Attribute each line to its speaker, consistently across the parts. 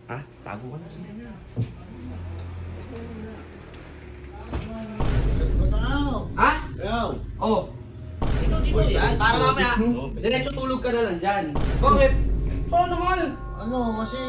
Speaker 1: Ha? Tago ka na. Sige na. Ha?
Speaker 2: Yo!
Speaker 1: Oh. Dito yan. Para mamaya. Diretso tulog ka na lang dyan. Bakit? Saan naman?
Speaker 2: Ano kasi...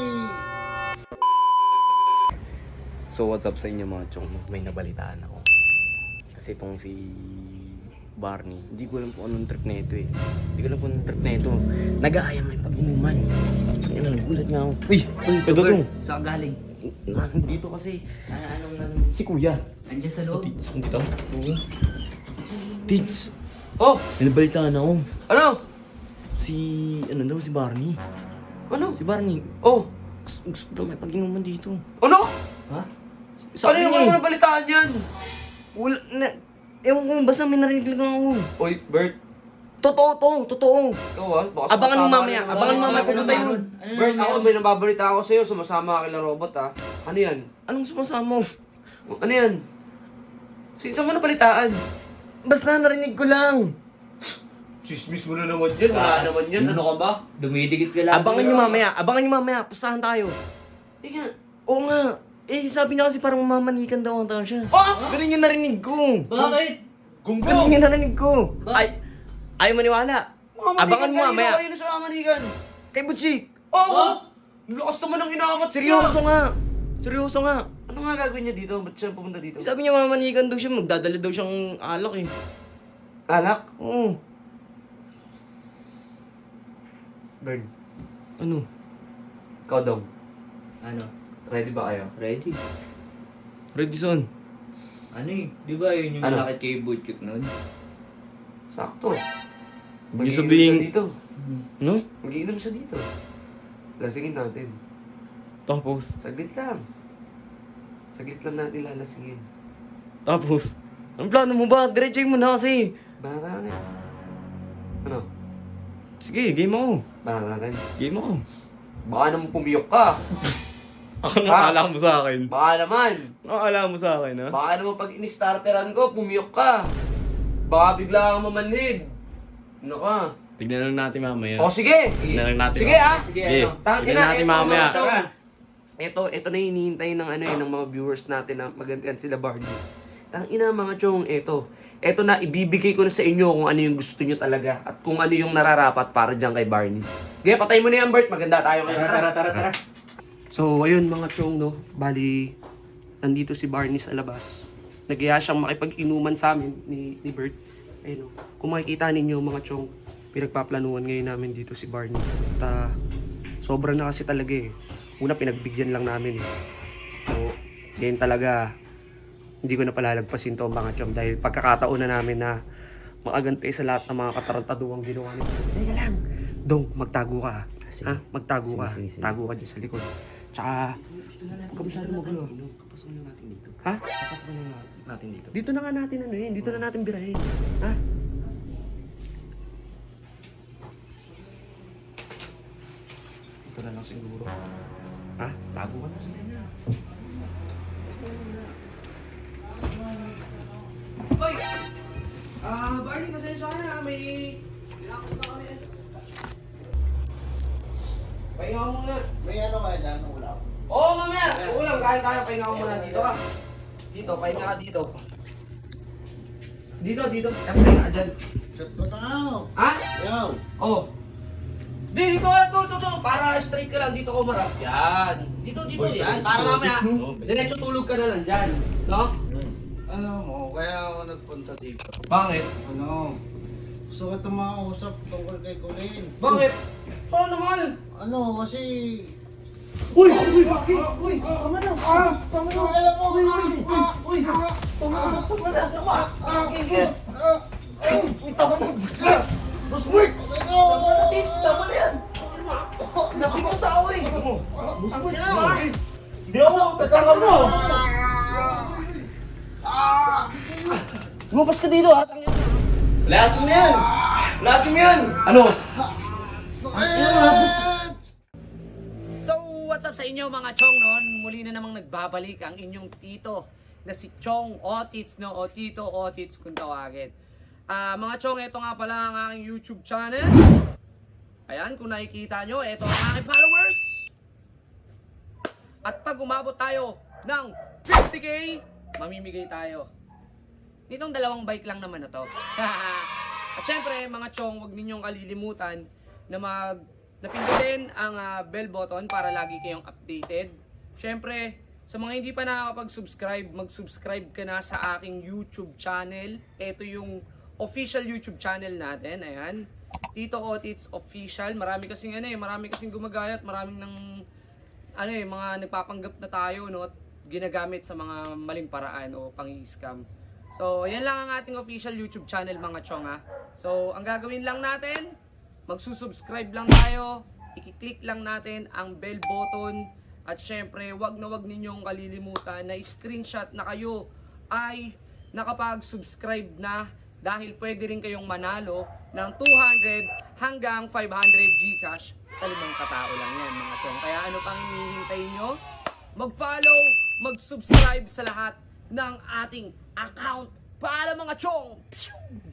Speaker 3: So what's up sa inyo mga chong? May nabalitaan ako. Kasi itong si Barney, hindi ko alam kung anong trip na ito eh. Hindi ko alam kung anong trip na ito. Nag-aayang may pag-inuman. Yan ang nagulat nga ako. Uy! Ito to!
Speaker 1: Saan galing?
Speaker 3: Dito kasi si Kuya.
Speaker 1: Andiyan sa loob.
Speaker 3: Tits, dito? Oo. Tits!
Speaker 1: Oh!
Speaker 3: May nabalitaan ako.
Speaker 1: Ano?
Speaker 3: Si, ano daw, si Barney.
Speaker 1: Ano?
Speaker 3: Si Barney,
Speaker 1: Oh!
Speaker 3: gusto daw may pag-inuman dito.
Speaker 1: Ano?
Speaker 3: Ha?
Speaker 1: Ano yung
Speaker 3: niya
Speaker 1: mga nabalitaan yan?
Speaker 3: Wala na. Ewan ko, basta may narinig lang ako.
Speaker 1: Oy, Bert.
Speaker 3: Totoo to, totoo.
Speaker 1: Ito ha? Baka
Speaker 3: Abangan mo
Speaker 1: sumasama
Speaker 3: mamaya,
Speaker 1: ka na
Speaker 3: abangan mo
Speaker 1: naman.
Speaker 3: mamaya pumunta yun.
Speaker 1: Bert, ako may nababalita ako sa'yo. Sumasama ka kila robot ha. Ano yan?
Speaker 3: Anong sumasama mo?
Speaker 1: Ano yan? Saan mo nabalitaan?
Speaker 3: Basta narinig ko lang.
Speaker 1: Chismis mo na naman yan. Wala naman yan. Ano ka ba?
Speaker 4: Dumidikit ka lang.
Speaker 3: Abangan nyo mamaya, pustahan tayo.
Speaker 1: Ika.
Speaker 3: Oo nga. Eh, sabi niya kasi parang mamanikan daw ang tao siya.
Speaker 1: Oh!
Speaker 3: Ganun yung narinig ko.
Speaker 4: Bakit?
Speaker 3: Ganun
Speaker 1: Gunggong!
Speaker 3: yung narinig ko.
Speaker 4: Bakit?
Speaker 3: Ayaw maniwala. Abangan mo mamaya.
Speaker 1: Kanina sa mamanigan.
Speaker 3: Kay Butchik.
Speaker 1: Oo! Ang lakas naman ng inaangat
Speaker 3: Seryoso nga. Seryoso nga.
Speaker 1: Ano nga gagawin niya dito? Ba't siya pumunta dito?
Speaker 3: Sabi niya mamanikan daw siya, magdadala daw siyang alak eh.
Speaker 1: Alak?
Speaker 3: Oo.
Speaker 1: Bird.
Speaker 3: Ano?
Speaker 1: Ikaw daw.
Speaker 4: Ano?
Speaker 1: Ready ba kayo?
Speaker 4: Ready?
Speaker 3: Redison.
Speaker 4: Ano eh? Di ba yun yung
Speaker 1: Ano?
Speaker 4: malakit kay Butchik nun?
Speaker 1: Sakto.
Speaker 3: Hindi
Speaker 1: Mag-iinom
Speaker 3: sabihin-
Speaker 1: siya dito.
Speaker 3: No?
Speaker 1: Mag-iinom siya dito. Lasingin natin.
Speaker 3: Tapos.
Speaker 1: Saglit lang. Saglit lang natin lalasingin.
Speaker 3: Tapos. Anong plano mo ba? Diretsahin mo na kasi.
Speaker 1: Banata natin. Ano?
Speaker 3: Sige, game ako.
Speaker 1: Banata natin.
Speaker 3: Game ako.
Speaker 1: Baka naman pumiyok ka.
Speaker 3: Ako nakakala mo sa akin.
Speaker 1: Baka naman.
Speaker 3: Nakakala mo sa akin, ha?
Speaker 1: Baka naman pag in-starteran ko, pumiyok ka. Baka bigla kang mamanhid. Ano ka?
Speaker 3: Tignan lang natin mamaya.
Speaker 1: O sige!
Speaker 3: Tignan lang natin.
Speaker 1: Sige ah!
Speaker 4: Sige,
Speaker 3: Sige.
Speaker 4: ano?
Speaker 3: Tignan natin mamaya.
Speaker 1: Ito na yung hinihintay ng ng mga viewers natin na magantian sila Barney. Tangina mga chong, ito na ibibigay ko na sa inyo kung ano yung gusto nyo talaga at kung ano yung nararapat para dyan kay Barney. Okay, patay mo na yan Bert, maganda tayo ngayon.
Speaker 4: Tara.
Speaker 1: So, ayun mga chong, no? Bali, nandito si Barney sa labas. Nag-iya siyang makipag-inuman sa amin ni Bert. Ayun, no? Kung makikita ninyo mga chong, pinagpaplanuhan ngayon namin dito si Barney. At sobra na kasi talaga eh. Una, pinagbigyan lang namin eh. So, ngayon talaga, hindi ko na palalagpasin to mga chong dahil pagkakataon na namin na makaganti sa lahat ng mga katarantaduang ginawa nito. Teka lang. Dong, magtago ka. Ha? Magtago ka.
Speaker 3: Sige.
Speaker 1: Tago ka dyan sa likod. Tsaka, huwag ka masyado magulo. Kapasok na natin dito. Ha? Kapasok na natin dito. Dito na nga natin ano yun. Dito na natin birahin. Ha? Dito na lang siguro. Ha? Tago ka na. Sige na. Hoy! Barney, pasensya ka na. May... Nilakas na kami. Pahinga ko muna.
Speaker 2: May ano kaya dyan, ulam?
Speaker 1: Oo, mamaya. Ulam, kain tayo. Pahinga ko muna. Dito ka. Dito, pahinga ka dito. Dito. Pahinga ka dyan.
Speaker 2: Shot ko tao!
Speaker 1: Ha?
Speaker 2: Yo!
Speaker 1: Oh. Dito. Para straight ka lang. Dito ko marap. Yan. Dito. Yan. Para mamaya. Diretso tulog ka na lang dyan. No?
Speaker 2: Ano mo, kaya ako nagpunta dito.
Speaker 1: Bakit?
Speaker 2: Ano? Gusto ko ito makausap tungkol kay Colin.
Speaker 1: Bakit? Saan naman?
Speaker 2: Ano, kasi...
Speaker 1: Uy!
Speaker 2: Uy! Tama na! Tama na! Alam mo! Uy! Tama na! Gigil! Uy! Tama na! Boss Bert! Tama na, Tits! Tama na yan! Lasing ang tao eh! Boss Bert! Hindi ako! Tatanga mo! Lumabas ka dito ha! Lasing mo yan! Lasing mo yan! Ano?
Speaker 4: So, what's up sa inyo mga chong noon? Muli na namang nagbabalik ang inyong tito na si Chong Otits, no? O Tito Otits kung tawagin. Mga chong, ito nga pala ang aking YouTube channel. Ayan, kung nakikita nyo, ito ang aking followers. At pag umabot tayo ng 50k, mamimigay tayo nitong 2 bike lang naman na to. At syempre, mga chong, huwag ninyong kalilimutan na napindutin ang bell button para lagi kayong updated. Syempre, sa mga hindi pa nakakapag-subscribe, mag-subscribe ka na sa aking YouTube channel. Ito yung official YouTube channel natin. Ayan. Tito Otits Official. Marami kasing gumagayat, maraming mga nagpapanggap na tayo, no, at ginagamit sa mga maling paraan o pang-scam. So, yan lang ang ating official YouTube channel, mga chong, ha. So, ang gagawin lang natin, magsusubscribe lang tayo, i-click lang natin ang bell button, at syempre, wag na wag ninyong kalilimutan na screenshot na kayo ay nakapag-subscribe na, dahil pwede rin kayong manalo ng 200 hanggang 500 GCash sa 5 katao lang yan, mga chong. Kaya ano pang hinihintay nyo? Mag-follow, mag-subscribe sa lahat ng ating account para, mga chong.